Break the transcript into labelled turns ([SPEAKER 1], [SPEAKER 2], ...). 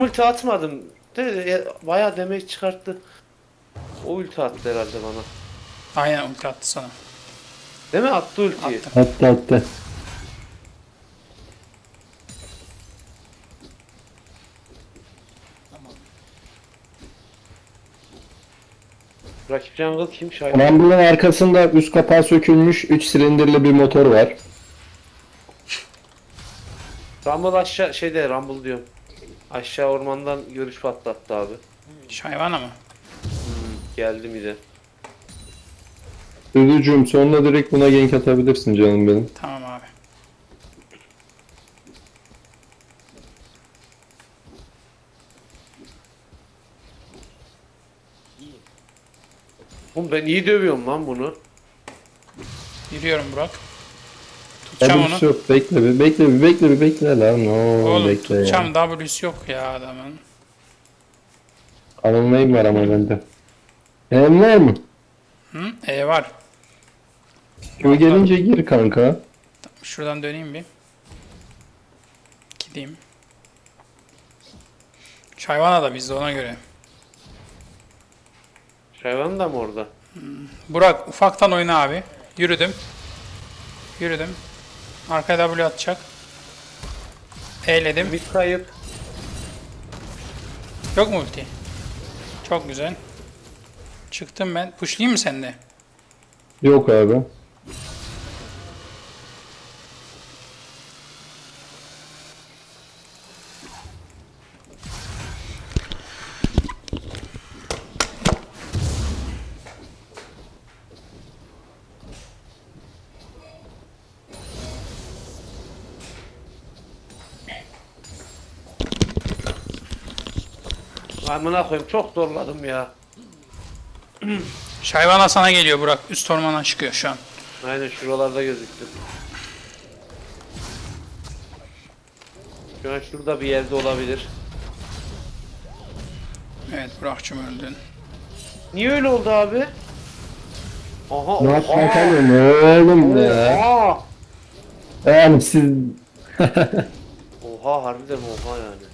[SPEAKER 1] ulti atmadım. Bayağı demek çıkarttı. O ulti attı herhalde bana.
[SPEAKER 2] Aynen ulti attı sana.
[SPEAKER 1] Değil mi? Attı ultiyi.
[SPEAKER 2] Attı.
[SPEAKER 3] Attı attı.
[SPEAKER 1] Rakip jungle kim? Şahin.
[SPEAKER 3] Rumble'ın arkasında üst kapağı sökülmüş 3 silindirli bir motor var.
[SPEAKER 1] Rumble aşağı Rumble diyorum. Aşağı ormandan görüş patlattı abi.
[SPEAKER 2] Şayvana mı?
[SPEAKER 1] Geldi mi de.
[SPEAKER 3] Duducuğum sonuna direkt buna gank atabilirsin canım benim.
[SPEAKER 2] Tamam abi.
[SPEAKER 1] Oğlum ben iyi dövüyorum lan bunu.
[SPEAKER 2] Yürüyorum Burak. Tutacağım
[SPEAKER 3] W'su
[SPEAKER 2] onu.
[SPEAKER 3] yok, bekle bir bekle bir bekle bir bekle lan. No,
[SPEAKER 2] Oğlum
[SPEAKER 3] bekle ya.
[SPEAKER 2] tutacağım, W'su yok ya adamın.
[SPEAKER 3] Anılmayım var ama bende. Hem var mı?
[SPEAKER 2] Hı? Var.
[SPEAKER 3] Q gelince gir kanka.
[SPEAKER 2] Şuradan döneyim bir. Gideyim. Şayvana da bizde, ona göre.
[SPEAKER 1] Şayvan da mı orada?
[SPEAKER 2] Burak ufaktan oyna abi. Yürüdüm. Yürüdüm. Arkaya W atacak. E'ledim.
[SPEAKER 1] Mid kayıp.
[SPEAKER 2] Yok mu ulti? Çok güzel. Çıktım ben. Pushlayayım mı sende?
[SPEAKER 3] Yok abi.
[SPEAKER 1] Amına koyayım çok zorladım ya.
[SPEAKER 2] Şayvana sana geliyor Burak. Üst ormana çıkıyor şu an.
[SPEAKER 1] Aynen şuralarda gözüktü. Şu an şurada bir yerde olabilir.
[SPEAKER 2] Evet Burak'cığım öldün.
[SPEAKER 1] Niye öyle oldu abi? Aha
[SPEAKER 3] Ne yaptın kanka oğlum ya?
[SPEAKER 1] Oha!
[SPEAKER 3] Yani siz
[SPEAKER 1] Oha harbiden oha yani.